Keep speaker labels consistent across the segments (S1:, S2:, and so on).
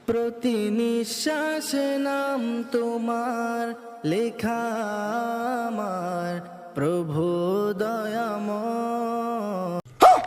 S1: প্রতি নিঃশ্বাসে নাম তোমার লেখা আমার প্রভু দয়াময়।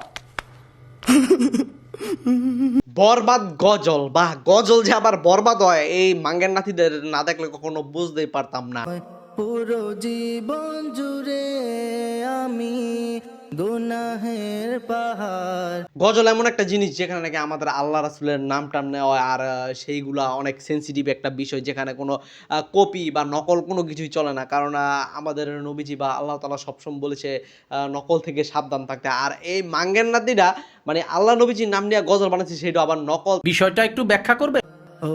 S2: বরবাদ গজল বা গজল যে আবার বরবাদ হয় এই মাঙ্গের নাতিদের না দেখলে কখনো বুঝতেই পারতাম না।
S1: পুরো জীবন জুড়ে আমি গুনাহের পাহাড়।
S2: গজল এমন একটা জিনিস যেখানে নাকি আমাদের আল্লাহ রাসূলের নাম টাম নেওয়া হয়, আর সেইগুলা অনেক সেন্সিটিভ একটা বিষয়, যেখানে কোনো কপি বা নকল কোনো কিছুই চলে না। কারণ আমাদের নবীজি বা আল্লাহ তাআলা সবসময় বলেছে নকল থেকে সাবধান থাকতে। আর এই মাঙ্গের নাতিরা মানে আল্লাহ নবীজির নাম নিয়ে গজল বানাচ্ছে, সেটা আবার নকল।
S3: বিষয়টা একটু ব্যাখ্যা করবে?
S1: ও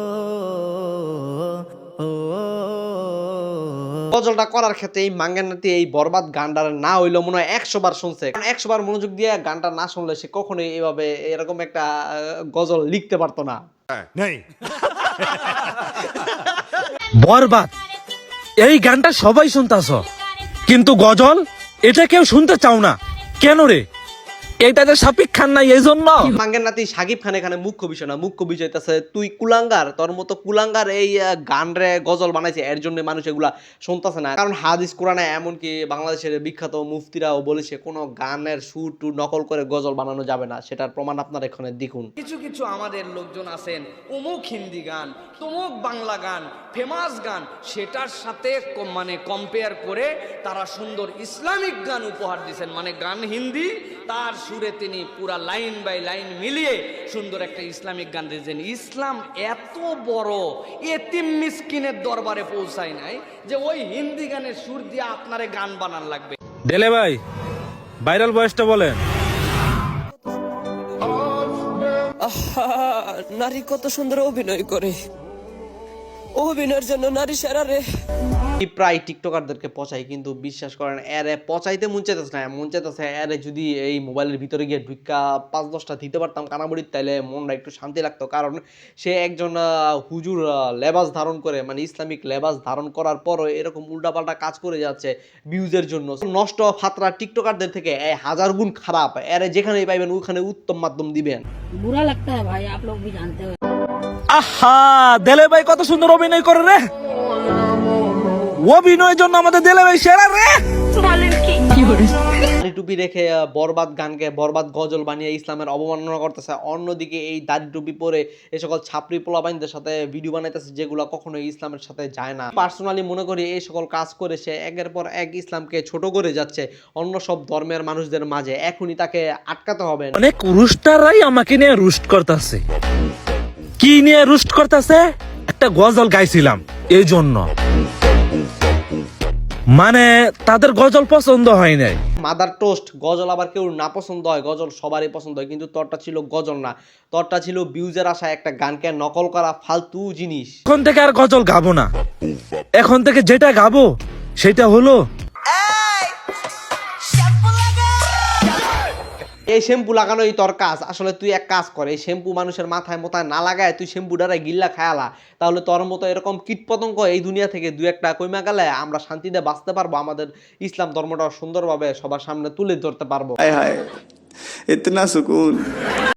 S1: ও
S2: গজলটা করার ক্ষেত্রে এই মাঙ্গের নাতি এই বরবাদ গানটার না হইলো মনে হয় 100 বার শুনছে। কারণ 100 বার মনোযোগ দিয়ে গানটা না শুনলে সে কখনোই এভাবে এরকম একটা গজল লিখতে পারতো না।
S4: বরবাদ এই গানটা সবাই শুনতাছ, কিন্তু গজল এটা কেউ শুনতে চাও না কেন রে? এইটাতে শাকিব খান নাই এই জন্য?
S2: মাঙ্গের নাতি শাকিব খান এখানে মুখ্য বিষয় না, মুখ্য বিষয় হইতাছে তুই কুলাঙ্গার, তোর মতো কুলাঙ্গার এই গান রে গজল বানাইছে, এর জন্য মানুষ এগুলা শুনতেছে না। কারণ হাদিস কোরআনে এমনকি বাংলাদেশের বিখ্যাত মুফতিরাও বলেছে কোনো গানের সুর টু নকল করে গজল বানানো যাবে না। সেটার প্রমাণ আপনারা এখানে দেখুন।
S5: কিছু কিছু আমাদের লোকজন আছেন অমুক হিন্দি গান তমুক বাংলা গান ফেমাস গান সেটার সাথে মানে কম্পেয়ার করে তারা সুন্দর ইসলামিক গান উপহার দিয়েছেন। মানে গান হিন্দি, তার সুরে তিনি পুরা লাইন বাই লাইন মিলিয়ে সুন্দর একটা ইসলামিক গান দিয়েছেন। ইসলাম এত বড় এতিম মিসকিনের দরবারে পৌঁছায় নাই যে ওই হিন্দি গানের সুর দিয়ে আপনারে গান বানান লাগবে।
S4: ডেলে ভাই ভাইরাল বয়সটা বলেন।
S6: নারী কত সুন্দর অভিনয় করে, অভিনয়ের জন্য নারী সেরা রে।
S2: প্রায় টিকটকারদেরকে পচাই, কিন্তু বিশ্বাস করেন এরে পচাইতে মন চাইতেছে না, মন চাইতেছে এরে যদি এই মোবাইলের ভিতরে গিয়ে ঢুকা 5-10টা দিতে পারতাম কানামুড়ির, তাইলে মনটা একটু শান্তি লাগতো। কারণ সে একজন হুজুর লেবাস ধারণ করে, মানে ইসলামিক লেবাস ধারণ করার পরও এরকম উল্টাপাল্টা কাজ করে যাচ্ছে ভিউজের জন্য। নষ্ট ফাতরা টিকটকারদের থেকে 1000 গুণ খারাপ। এরে যেখানেই পাইবেন ওখানে উত্তম মাধ্যম দিবেন।
S7: बुरा लगता है भाई, आप लोग भी जानते हो।
S4: আহা দেলে ভাই কত সুন্দর অভিনয় করে রে, অভিনয়ের জন্য আমাদের দেলে ভাই সেরা রে।
S2: দাড়ি টুপি রেখে বরবাদ গানকে বরবাদ গজল বানিয়ে ইসলামের অবমাননা করতেছে। অন্যদিকে এই দাড়ি টুপি পরে এই সকল ছাপরি পোলাবাইনদের সাথে ভিডিও বানাইতেছে, যেগুলো কখনোই ইসলামের সাথে যায় না। পার্সোনালি মনে করি এই সকল কাজ করে সে একের পর এক ইসলামকে ছোট করে যাচ্ছে অন্য সব ধর্মের মানুষদের মাঝে। এখনই তাকে আটকাতে হবে।
S4: অনেক রুস্টাররাই আমাকে নিয়ে রুস্ট করতেছে। কি নিয়ে রুস্ট করতেছে? একটা গজল গাইছিলাম এই জন্য, মানে তাদের গজল পছন্দ হয় নাই।
S2: মাদার টোস্ট, গজল আবার কেউ না পছন্দ হয়, গজল সবারই পছন্দ হয়, কিন্তু তোরটা ছিল গজল না, তোরটা ছিল ভিউজের আশায় একটা গানকে নকল করা ফালতু জিনিস।
S4: এখন থেকে আর গজল গাবো না, এখন থেকে যেটা গাবো সেটা হলো
S2: এই শ্যাম্পু লাগানোই তোর কাজ। আসলে তুই এক কাজ কর, এই শ্যাম্পু মানুষের মাথায় মোথায় না লাগায় তুই শ্যাম্পুটারে গিল্লা খায়ালা, তাহলে তোর মতো এরকম কীটপতঙ্গ এই দুনিয়া থেকে দু একটা কইমা গেলে আমরা শান্তিতে বাঁচতে পারবো, আমাদের ইসলাম ধর্মটা সুন্দরভাবে সবার সামনে তুলে ধরতে পারবো।
S8: हाय हाय इतना सुकून।